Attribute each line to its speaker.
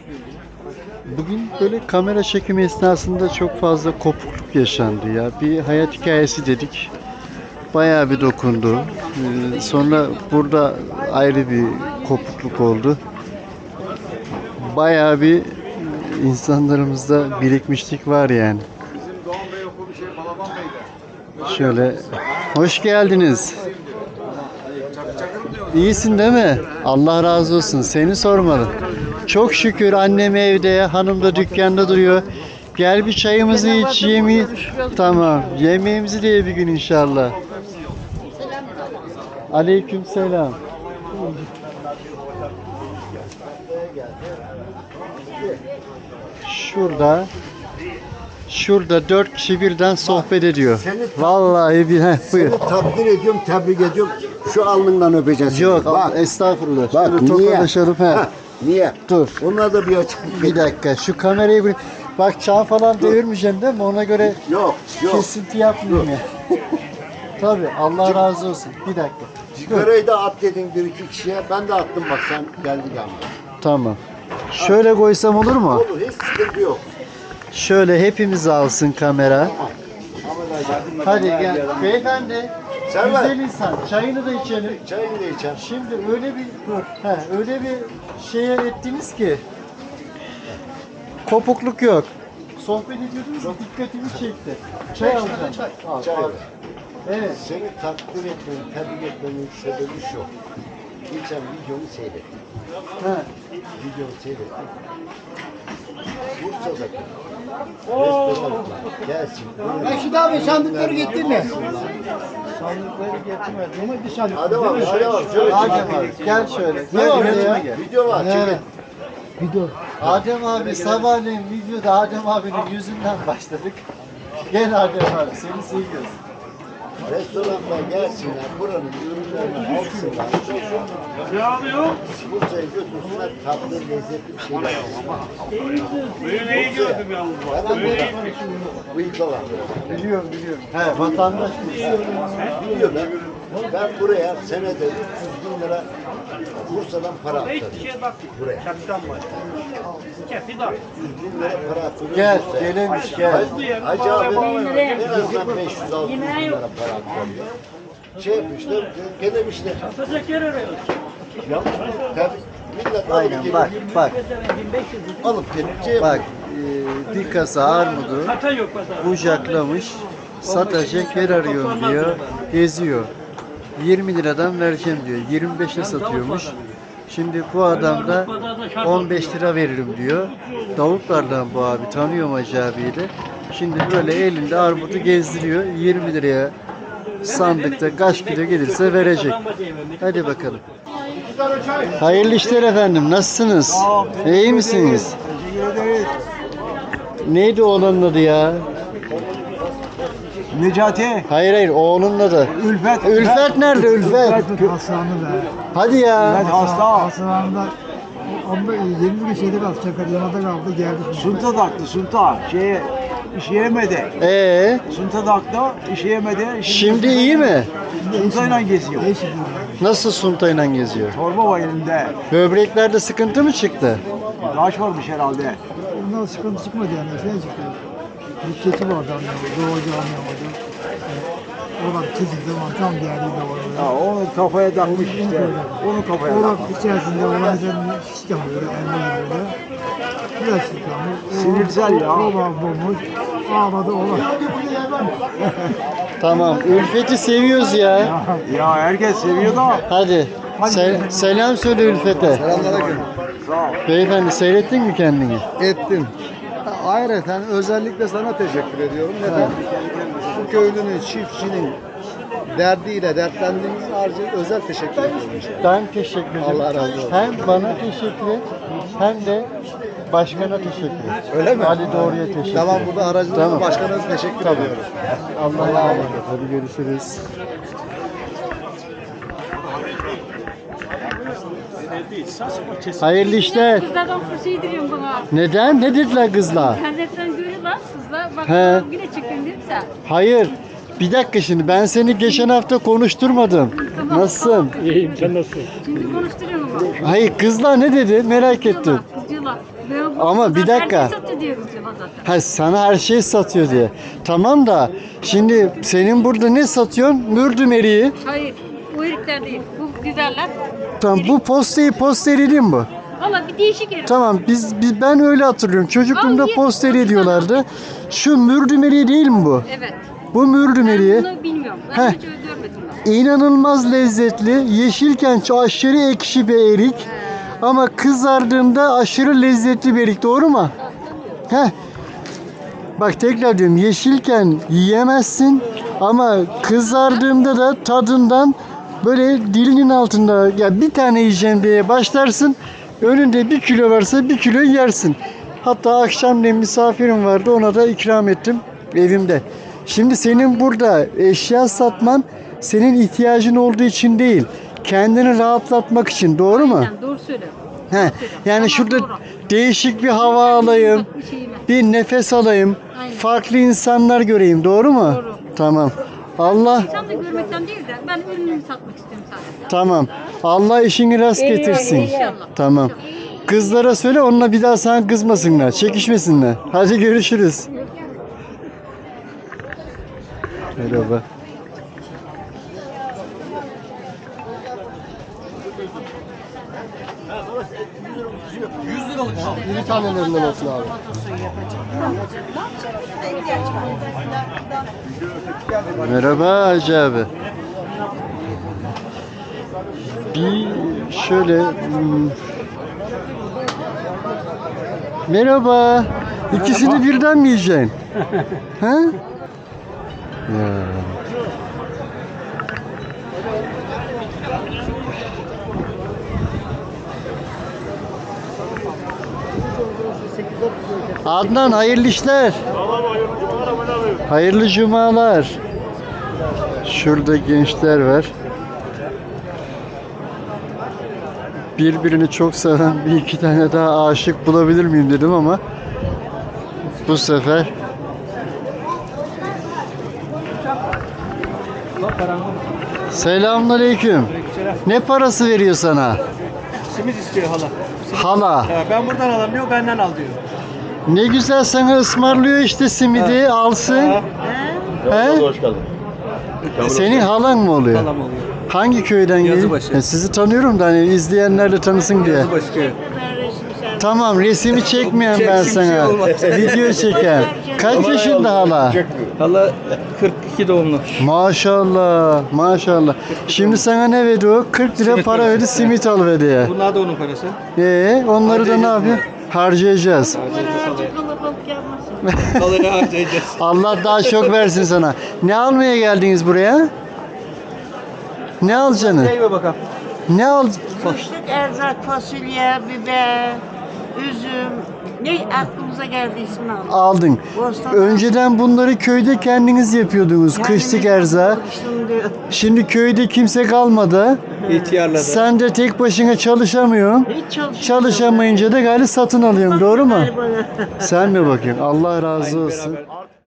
Speaker 1: Bugün böyle kamera çekimi esnasında çok fazla kopukluk yaşandı ya. Bir hayat hikayesi dedik. Bayağı bir dokundu. Sonra burada ayrı bir kopukluk oldu. Bayağı bir insanlarımızda birikmişlik var yani. Şöyle, hoş geldiniz. İyisin değil mi? Allah razı olsun. Seni sormalı. Çok şükür annem evde, hanım da dükkanda duruyor. Gel bir çayımızı iç, yemeği. Tamam. Yemeğimizi de ye bir gün inşallah. Aleyküm selam. Şurada 4 kişi birden sohbet ediyor. Vallahi bir buyur.
Speaker 2: Seni takdir ediyorum, tebrik ediyorum. Şu alnından öpeceksin.
Speaker 1: Yok,
Speaker 2: Bak,
Speaker 1: estağfurullah.
Speaker 2: bak
Speaker 1: Şöyle
Speaker 2: niye?
Speaker 1: tokalaşalım.
Speaker 2: Ha, niye?
Speaker 1: Dur.
Speaker 2: Onlar da bir açıklık.
Speaker 1: Bir dakika. Şu kamerayı bir... Bak çağ falan devirmeyeceksin değil mi? Ona göre
Speaker 2: Yok.
Speaker 1: kesinti yapmayayım ya. Tabii. Allah razı olsun. Bir dakika.
Speaker 2: Sigarayı da at dedin bir iki kişiye. Ben de attım bak sen geldi geldi.
Speaker 1: Tamam. Şöyle koysam olur mu?
Speaker 2: Olur, hiç sıkıntı yok.
Speaker 1: Şöyle hepimiz alsın kamera. Hadi gel. Beyefendi.
Speaker 2: Sen
Speaker 1: Güzel
Speaker 2: ver.
Speaker 1: insan. Çayını da içelim.
Speaker 2: Çayını da içer.
Speaker 1: Şimdi öyle bir öyle bir şeye ettiniz ki kopukluk yok. Sohbet ediyordunuz, dikkatimi çekti. Çay alacağım.
Speaker 2: Çay.
Speaker 1: Evet.
Speaker 2: Seni takdir etmenin, tebrik etmenin sebebi şu. Geçen videomu seyrettim.
Speaker 1: Ha.
Speaker 2: Videomu seyrettim. Bursa'daki restoranlar gelsin.
Speaker 3: Reşit abi sandıkları getirdin mi?
Speaker 1: Sandıkları getirmedim.
Speaker 3: Ama bir sandık.
Speaker 2: Hadi bak, hadi bak. Şöyle
Speaker 1: Adem abi gel şöyle.
Speaker 2: Ne
Speaker 1: Gel
Speaker 2: var
Speaker 1: buraya.
Speaker 2: ya? Video var, çekin.
Speaker 3: Video.
Speaker 1: Adem abi sabahleyin videoda Adem abinin yüzünden başladık. Gel Adem abi seni seviyoruz.
Speaker 2: Restoranlar gelsinler, buranın ürünlerini alsınlar. Bursa'ya götürsünler, tatlı, lezzetli bir şeyler alsınlar.
Speaker 4: Böyle iyi gördüm yalnız bak. Böyle iyi.
Speaker 2: Bıyıklılar.
Speaker 1: Biliyorum. He vatandaş mı?
Speaker 2: Biliyor ben buraya senede 300 bin lira Bursa'dan para aktarıyorum.
Speaker 4: Hiçbir şeye bakmıyor.
Speaker 2: Buraya.
Speaker 4: Çaptan var. Kefi dar.
Speaker 2: 300 bin lira para aktarıyorum.
Speaker 1: Gel
Speaker 2: Bursa'ya.
Speaker 1: gelemiş gel.
Speaker 2: Hacı abi en azından 500-600 bin lira para aktarıyor. Şey yapmışlar, gelemişler.
Speaker 4: Satacak yer arıyoruz.
Speaker 2: Yanlış mı? Tabii. Millet
Speaker 1: Aynen bak.
Speaker 4: Alıp
Speaker 1: Bak bir kasa armudu
Speaker 4: Kata yok pazar.
Speaker 1: bucaklamış. Satacak yer arıyorum diyor. Geziyor. 20 liradan vereceğim diyor. 25'e satıyormuş. Şimdi bu adam da 15 lira veririm diyor. Davutlardan bu abi. Tanıyorum Hacı abiyi de. Şimdi böyle elinde armudu gezdiriyor. 20 liraya sandıkta kaç kilo gelirse verecek. Hadi bakalım. Hayırlı işler efendim. Nasılsınız? İyi misiniz? Neydi oğlanın adı ya?
Speaker 3: Necati.
Speaker 1: Hayır oğlunun adı.
Speaker 3: Ülfet.
Speaker 1: Ülfet nerede Ülfet?
Speaker 3: Hastanede.
Speaker 1: Hadi ya.
Speaker 3: Hasta. Hastanede. Onda 20 gün şeyde kaldı. Çakaryamada kaldı. Geldi.
Speaker 5: Sunta taktı, sunta. İşe yemedi. Sunta taktı, işe yemedi.
Speaker 1: Şimdi iyi mi?
Speaker 5: Suntayla geziyor.
Speaker 3: Değişik.
Speaker 1: Nasıl suntayla geziyor?
Speaker 5: Torba var elinde.
Speaker 1: Böbreklerde sıkıntı mı çıktı?
Speaker 5: Taş varmış herhalde.
Speaker 3: Ondan sıkıntı çıkmadı yani. Şey çıktı. Bir keçi vardı. Doğucu anlayamadı. Oradan çizildi. Tam geldi de
Speaker 5: Ya onu kafaya takmış işte. Onu kafaya
Speaker 3: Orak
Speaker 5: takmış.
Speaker 3: içerisinde olan üzerine şiş yapıyor. Elma gibi böyle. Biraz şiş yapıyor.
Speaker 5: Sinirsel ya.
Speaker 3: Ola bulmuş. Ağladı ola.
Speaker 1: Tamam. Ülfet'i seviyoruz ya.
Speaker 5: Ya herkes seviyor da.
Speaker 1: Hadi. Selam söyle Ülfet'e.
Speaker 2: Selamünaleyküm.
Speaker 5: Sağ ol.
Speaker 1: Beyefendi seyrettin mi kendini?
Speaker 2: Ettim. Ayrıca özellikle sana teşekkür ediyorum. Neden? Bu köylünün, çiftçinin derdiyle dertlendiğimiz harcı özel teşekkür ediyorum.
Speaker 1: Ben teşekkür ederim.
Speaker 2: Allah razı olsun.
Speaker 1: Hem bana teşekkür et hem de başkana teşekkür et.
Speaker 2: Öyle mi?
Speaker 1: Ali Doğru'ya teşekkür et.
Speaker 2: Tamam, burada aracınızla
Speaker 1: Tamam.
Speaker 2: başkanınıza teşekkür ediyorum.
Speaker 1: Allah'a emanet ol. Hadi görüşürüz. Hayırlı işler.
Speaker 6: Kızlardan şey diyorum bana.
Speaker 1: Neden? Ne dediler kızlar?
Speaker 6: İnternetten görüyorlar kızlar. Bak
Speaker 1: He.
Speaker 6: yine çekin dedim sen.
Speaker 1: Hayır. Bir dakika şimdi ben seni geçen hafta konuşturmadım.
Speaker 6: Tamam,
Speaker 1: Nasılsın?
Speaker 6: tamam. Şimdi konuşturuyorum ama.
Speaker 1: Hayır kızlar ne dedi? Merak ettim.
Speaker 6: Kızcılar. Ben bu
Speaker 1: Ama
Speaker 6: kızlar
Speaker 1: bir dakika.
Speaker 6: herkes satıyor diye kızıyorum zaten.
Speaker 1: Ha, sana her şey satıyor diye. Tamam da şimdi senin burada ne satıyorsun? Mürdüm eriği.
Speaker 6: Hayır. Bu herifler değil. Bu güzeller.
Speaker 1: Tamam, bu posteri değil mi bu?
Speaker 6: Valla bir değişik herif.
Speaker 1: Tamam, ben öyle hatırlıyorum. Çocukluğumda
Speaker 6: Al, ye.
Speaker 1: posteri diyorlardı. Şu mürdüm eriği değil mi bu?
Speaker 6: Evet.
Speaker 1: Bu mürdüm
Speaker 6: Ben
Speaker 1: eriği.
Speaker 6: bunu bilmiyorum. Ben
Speaker 1: Heh.
Speaker 6: hiç görmedim ben.
Speaker 1: İnanılmaz lezzetli. Yeşilken aşırı ekşi bir erik. Ama kızardığında aşırı lezzetli bir erik. Doğru mu? Heh. Bak tekrar diyorum. Yeşilken yiyemezsin. Ama kızardığında da tadından böyle dilinin altında ya bir tane yiyeceğim diye başlarsın. Önünde 1 kilo varsa 1 kilo yersin. Hatta akşamleyin misafirim vardı. Ona da ikram ettim evimde. Şimdi senin burada eşya satman senin ihtiyacın olduğu için değil. Kendini rahatlatmak için. Doğru mu?
Speaker 6: Aynen, doğru söylüyorsun.
Speaker 1: He. Yani
Speaker 6: Ama
Speaker 1: şurada
Speaker 6: doğru.
Speaker 1: değişik bir hava alayım.
Speaker 6: Bir şeyime.
Speaker 1: Bir nefes alayım.
Speaker 6: Aynen.
Speaker 1: Farklı insanlar göreyim. Doğru mu?
Speaker 6: Doğru.
Speaker 1: Tamam. Allah
Speaker 6: İnsan da görmekten değil de ben ürünümü satmak istiyorum sadece.
Speaker 1: tamam. Allah işini rast getirsin.
Speaker 6: İnşallah.
Speaker 1: Tamam. Kızlara söyle, onunla bir daha sana kızmasınlar, çekişmesinler. Hadi görüşürüz. Merhaba.
Speaker 2: İri tanelerinden olsun abi.
Speaker 1: Merhaba Hacı abi. Bir şöyle merhaba. İkisini birden mi yiyeceksin? Ha? Ya. Adnan hayırlı işler. Hayırlı cumalar. Şurada gençler var. Birbirini çok seven bir iki tane daha aşık bulabilir miyim dedim ama bu sefer Selamünaleyküm. Ne parası veriyor sana?
Speaker 7: Simit istiyor hala.
Speaker 1: Hala.
Speaker 7: Ben buradan alamıyor, benden al diyor.
Speaker 1: Ne güzel sana ısmarlıyor işte simidi alsın. He? Senin halan mı oluyor?
Speaker 7: Halam oluyor.
Speaker 1: Hangi köyden geliyor?
Speaker 7: Yazıbaşı.
Speaker 1: Sizi tanıyorum da hani izleyenler de tanısın diye.
Speaker 7: Yazıbaşı köyü.
Speaker 1: Tamam, resmi çekmeyen ben
Speaker 7: Çeksin, bir şey
Speaker 1: sana.
Speaker 7: olmaz.
Speaker 1: Video çeken. Kaç yaşında hala?
Speaker 7: Hala 42 doğumlu.
Speaker 1: Maşallah, maşallah. Şimdi sana ne verdi o? 40 lira
Speaker 7: Simit
Speaker 1: para
Speaker 7: parası.
Speaker 1: verdi, simit al verdi ya.
Speaker 7: Bunlar da onun parası.
Speaker 1: Onları da ne
Speaker 7: Harcayacağız
Speaker 1: yapıyor? Harcayacağız.
Speaker 7: Halayı harcayacağız.
Speaker 1: Allah daha çok versin sana. Ne almaya geldiniz buraya? Ne alacaksınız?
Speaker 7: Neyime bakalım.
Speaker 1: Ne al?
Speaker 8: Kışlık erzak, fasulye, biber, üzüm. Ne aklımıza geldiyse aldık.
Speaker 1: Aldın.
Speaker 8: Bostan
Speaker 1: Önceden bunları köyde kendiniz yapıyordunuz. Kışlık erzak.
Speaker 8: Şimdi
Speaker 1: Şimdi köyde kimse kalmadı.
Speaker 7: İhtiyarladı.
Speaker 1: Sen de tek başına çalışamıyorsun.
Speaker 8: hiç çalışmıyor.
Speaker 1: Çalışamayınca da galiba satın alıyorsun. Doğru mu?
Speaker 8: Bana.
Speaker 1: Sen mi bakıyorsun? Allah razı olsun.
Speaker 7: Beraber.